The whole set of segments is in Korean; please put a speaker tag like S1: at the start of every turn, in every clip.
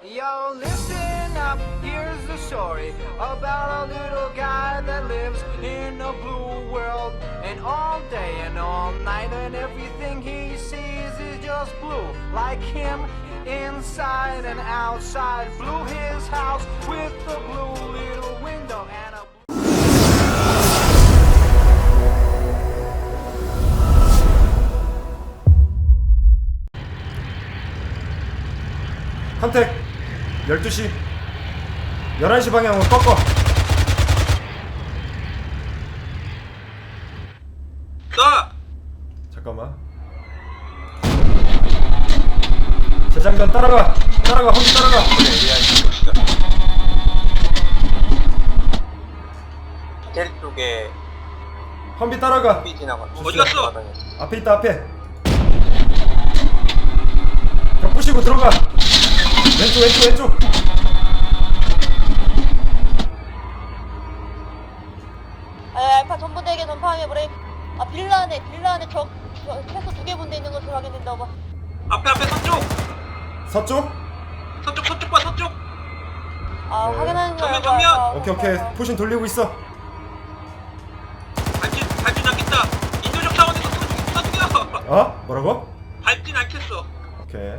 S1: Yo, listen up, here's the story about a little guy that lives in a blue world. And all day and all night, and everything he sees is just blue. Like him, inside and outside. Blew his house with a blue little window and a
S2: 컨택 12시 11시 방향으로 꺾어.
S3: 나!
S2: 잠깐만. 재장전 따라가. 험지 따라가.
S4: 호텔 쪽에
S2: 험비 따라가.
S4: 삐 지나가.
S3: 어디 갔어?
S2: 앞에 있다. 앞에 벽 부시고 들어가. 왼쪽
S5: 알파 전부대에게 전파함에 브레이크. 빌라 안에 적 최소 2개 분대 있는 것으로 확인된다. 오버.
S3: 앞에 서쪽!
S2: 서쪽.
S3: 서쪽 봐 서쪽!
S2: 네.
S5: 확인하는 거야.
S3: 정면!
S2: 오케이 포신 돌리고 있어.
S3: 밟진 않겠다! 인도적 차원에서 서쪽이야!
S2: 어? 뭐라고?
S3: 밟진 않겠어!
S2: 오케이.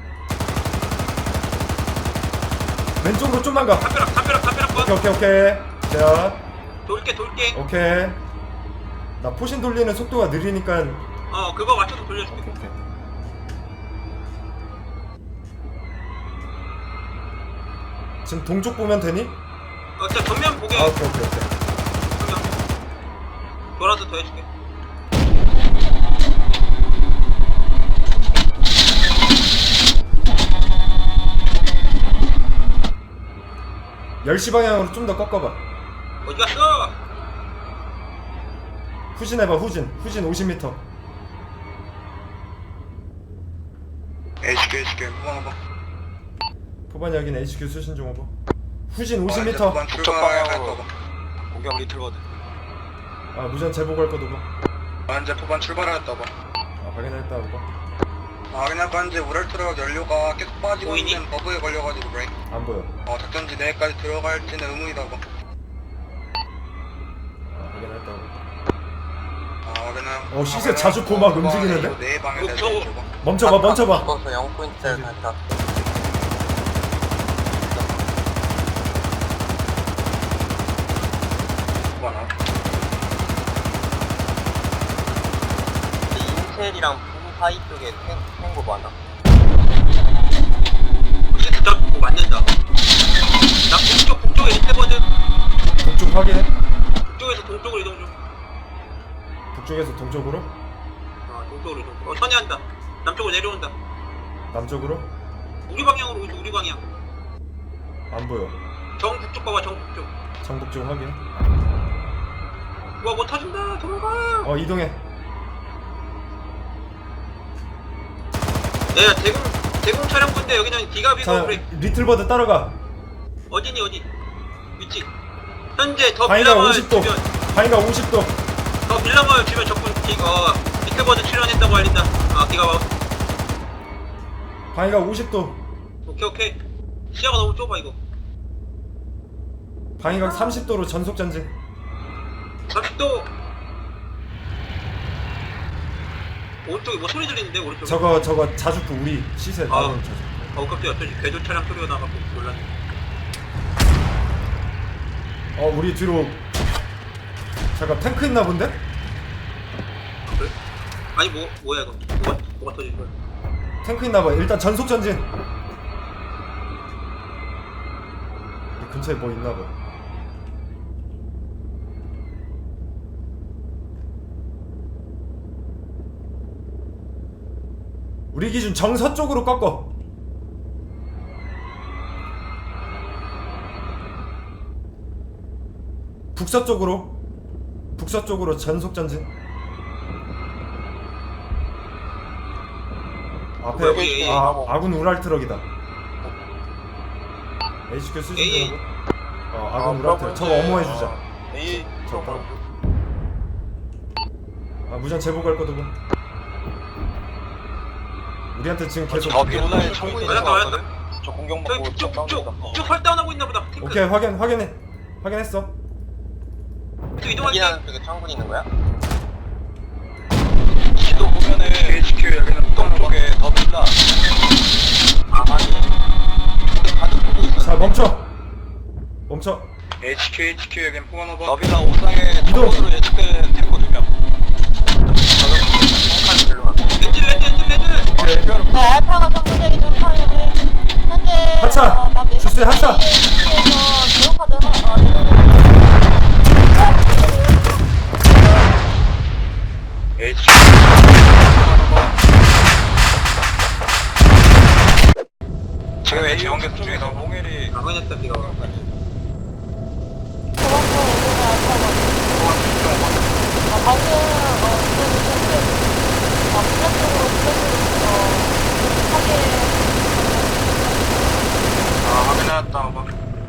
S2: 왼쪽으로 좀만 가.
S3: 담벼락 봐!
S2: 오케이. 자,
S3: 돌게
S2: 오케이. 나 포신 돌리는 속도가 느리니까.
S3: 그거 맞춰서 돌려줄게.
S2: 오케이. 지금 동쪽 보면 되니?
S3: 진짜 전면 보게.
S2: 오케이.
S3: 전면. 돌아서 더 해줄게.
S2: (10시) 방향으로 좀 더 꺾어봐.
S3: 어디 갔어?
S2: 후진해봐. 후진 50m.
S6: HQ 후방어봐.
S2: 포반 여긴 HQ 수신 중 오버. 후진 50m.
S6: 후방
S4: 북쪽 방향으로
S6: 출발할
S4: 공격 리틀거든.
S2: 아 무전 제보할 거도 봐.
S6: 현재 포반 출발하였다 봐.
S2: 아 확인했다 오버.
S6: 확인할 건 이제 우랄트럭 연료가 계속 빠지고
S3: 보이니?
S6: 있는 버그에 걸려가지고 브레이크.
S2: 안 보여.
S6: 작전지 내까지 들어갈지는 의문이다 봐.
S2: 아 확인했다 오버.
S6: 확인은.
S2: 시세 자주포 막 움직이는데?
S6: 네 방에
S3: 저-
S6: 대해서 봐.
S2: 멈춰봐.
S4: 죽어서 0포인트를 간다.
S6: 후방 앞.
S4: 인텔이랑 부부 사이 쪽에 탱고 많아.
S3: 시트 잡고 맞는다. 나 북쪽에 있거든.
S2: 동쪽 확인해.
S3: 북쪽에서 동쪽으로 이동 중.
S2: 북쪽에서 동쪽으로.
S3: 동쪽으로 이동. 선회한다. 남쪽으로 내려온다.
S2: 남쪽으로.
S3: 우리 방향으로 오지, 우리 방향.
S2: 안 보여.
S3: 정북쪽 봐봐, 정북쪽.
S2: 정북쪽 확인.
S3: 와, 뭐 타준다. 도망가.
S2: 이동해.
S3: 야, 대공 차량군데 여기는 기갑이고
S2: 자
S3: 그래.
S2: 리틀버드 따라가.
S3: 어디? 위치. 현재 더
S2: 바위가
S3: 빌라마을
S2: 50도.
S3: 주변.
S2: 바위가 50도.
S3: 더 빌라마을 주변 적군 비틀버드 출연했다고 알린다. 기갑.
S2: 바위가 50도.
S3: 오케이. 시야가 너무 좁아 이거.
S2: 바위가 30도로 전속 전진.
S3: 40도. 오른쪽에 뭐 소리 들리는데 오른쪽에.
S2: 저거 자주포 우리 시세 나오는 자주포.
S3: 깜짝이야. 저기 궤도 차량 소리가 나가고 놀랐네.
S2: 우리 뒤로. 잠깐 탱크 있나 본데?
S3: 그래? 아니 뭐야 이거. 뭐가 터진 거야?
S2: 탱크 있나 봐. 일단 전속 전진. 이 근처에 뭐 있나 봐. 우리 기준 정서쪽으로 꺾어. 북서쪽으로 전속 전진. 앞에
S3: 여기
S2: 아군 우랄트럭이다. HQ 수신
S3: A.
S2: 중이고. 아군 우랄트럭. 저거 어머해 주자.
S4: A
S2: 저 따라. 무전 제보 갈 거도 봐. 우리한테 지금 계속
S4: 저 빌라에 총 있는 거
S3: 맞았다.
S4: 같거든? 저 공격받고
S3: 저기
S4: 쭉 싸웁니다.
S3: 쭉 헐다운하고 있나 보다. 탱크.
S2: 오케이 확인했어.
S3: 또 이동할게.
S4: 여기는 쪽에 창군이 있는 거야?
S6: 지도 보면은 HQ 여기는 포항 쪽에 더 빌라.
S4: 아 확인. 가족들이 있어.
S2: 자 멈춰.
S6: HQ 여기는 포항 오버.
S4: 너비나 옥상에
S2: 이동.
S4: 적으로 예측된 탱크 2명.
S3: 레드.
S2: 오케이.
S5: 네, 알파가 전문대기 전파에 브레이크. 현재
S2: 하차! 주스의 하차!
S5: 에서 기록카드
S6: HQ. 지금 HQ 연결 중에서 홍일이
S3: 확인했다 비가.
S6: 확인해놨다 오버.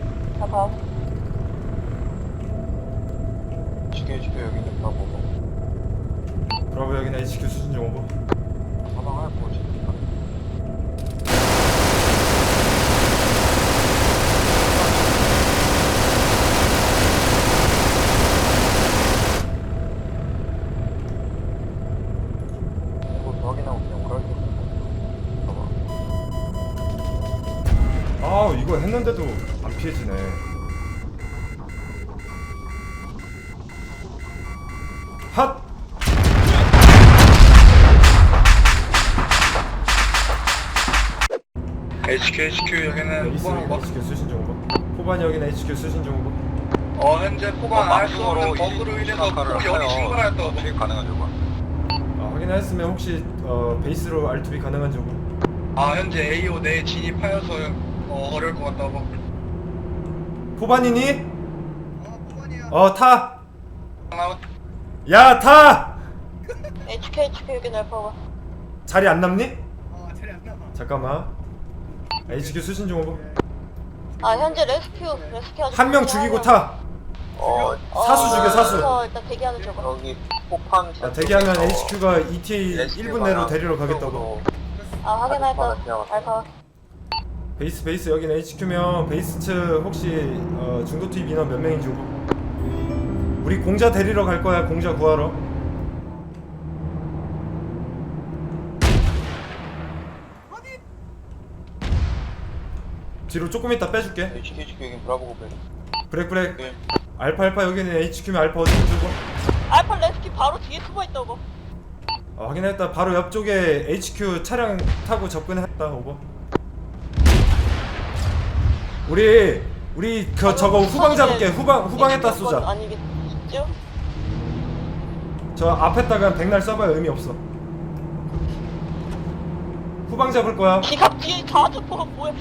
S4: HQ 여기는 브라보.
S2: 브라보 여기는 HQ 수신 중 오버.
S4: 사망할 거지. 이거 확인하고 그냥 오랄 거.
S2: 아 이거 했는데도 안 피해지네. 핫!
S6: HQ 여기는
S2: 에이스
S6: 포항 오버.
S2: HQ 수신 중 오버. 포반 여기는 HQ 수신 중 오버.
S6: 현재 포항 알수 없는 버그로 인해서 폭 여기 충분하였다 오버.
S4: 가능하죠, 뭐.
S2: 확인하였으면 혹시 베이스로 R2B 가능한지 오버.
S6: 현재 AO 내 진입하여서 어려울 것 같다 오버.
S2: 포반이니?
S6: 포반이야.
S2: 타!
S6: 아웃.
S2: 야 타!
S5: HQ 여기 알파가.
S2: 자리 안 남니?
S6: 자리 안 남아.
S2: 잠깐만. HQ 수신 중 오버.
S5: 현재 레스큐
S2: 한 명 죽이고 타! 사수 죽여, 사수.
S5: 일단 대기하는 쪽으로.
S4: 여기 폭팜.
S2: 대기하면 HQ가 ETA 1분 내로 데리러 가겠다고.
S5: 확인할까? 알파.
S2: 베이스 여기는 HQ면 베이스 측 혹시 중도 투입 인원 몇 명인지 오버. 우리 공자 데리러 갈 거야. 공자 구하러. 뒤로 조금 이따 빼줄게.
S4: HQ 여기 브라보고 벨.
S2: 브렉.
S6: 네.
S2: 알파 여기는 HQ면 알파 어디 주고.
S5: 알파 레스큐 바로 뒤에 숨어 있다고.
S2: 확인했다. 바로 옆쪽에 HQ 차량 타고 접근했다. 오버. 우리 저거 후방 잡을게. 후방에다 쏘자.
S5: 아니겠죠?
S2: 저 앞에다가 백날 써봐야 의미 없어. 후방 잡을 거야.
S5: 기갑 뒤에 자주포가 뭐야?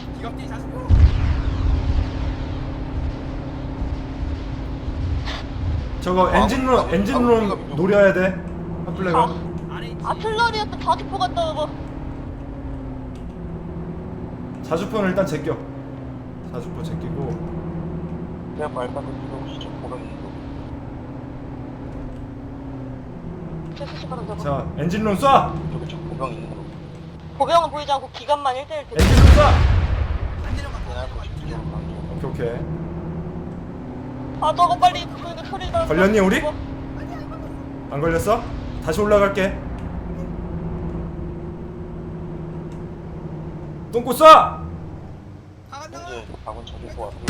S2: 저거 엔진룸 노려야 돼. 핫플레가.
S5: 아틀러리였던 자주포 갔다 오고.
S2: 자주포는 일단 제껴. 자주포 제끼고.
S4: 그냥 말까지 혹시 좀 보면
S2: 자 엔진룸 쏴.
S4: 저기 좀 보병 있는 거.
S5: 보병은 보이지 않고 기갑만 1대1
S2: 엔진룸 쏴.
S4: 그냥 거 싶죠.
S2: 오케이.
S5: 저거 빨리 그 소리 나.
S2: 걸렸니, 우리? 안 걸렸어? 다시 올라갈게. 똥꼬 쏴.
S4: 현재 아군 저기서 왔고.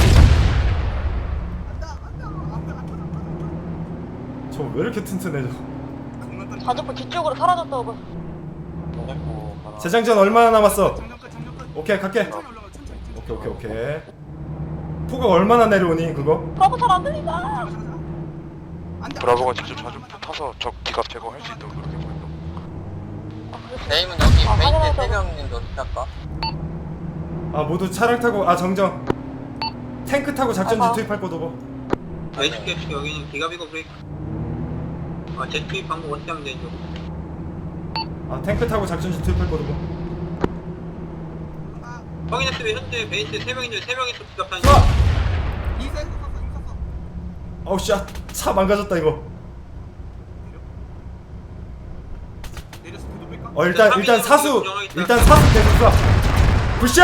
S2: 저 왜 이렇게 튼튼해 저.
S5: 자주포 뒤쪽으로 사라졌다고.
S4: 정작고 가나.
S2: 재장전 얼마나 남았어? 오케이 갈게. 오케이. 포가 얼마나 내려오니 그거?
S5: 브라보 잘안 들린다.
S6: 브라보가 직접 자주 타서 적 기갑 제거할 수 있도록 그렇게 보인다.
S4: 네임은 여기 베이스에
S5: 확인해서.
S4: 3명인데 어떻게 할까?
S2: 모두 차량 타고 정정. 탱크 타고 작전지 투입할 거도 뭐.
S3: HQ 여기는 기가비고 브레이크. 제 투입 방법 어떻게 하면 되죠?
S2: 탱크 타고 작전지 투입할 거도 뭐.
S3: 확인했으면 현재 베이스 3명인데 3명이 또 기갑하는.
S2: 쏴. 어우 씨, 차 망가졌다 이거. 일단 사수 계속 쏴. 굿샷!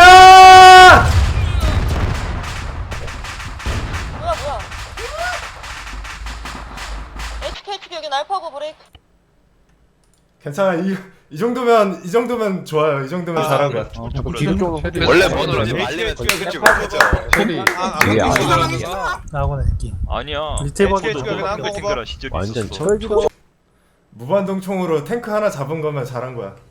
S5: 뭐야 HK 여기 알파고 브레이크.
S2: 괜찮아. 이 정도면 좋아요. 이 정도면 잘한 거야.
S7: 기본적으로
S6: 원래 번호를 말리면 그치 그죠.
S7: 캐리 되게
S8: 나하고는 느낌.
S9: 아니야.
S8: 리테이버도
S9: 탱크라 시절
S7: 완전
S9: 있었어.
S7: 철비로
S2: 무반동 총으로 탱크 하나 잡은 거면 잘한 거야.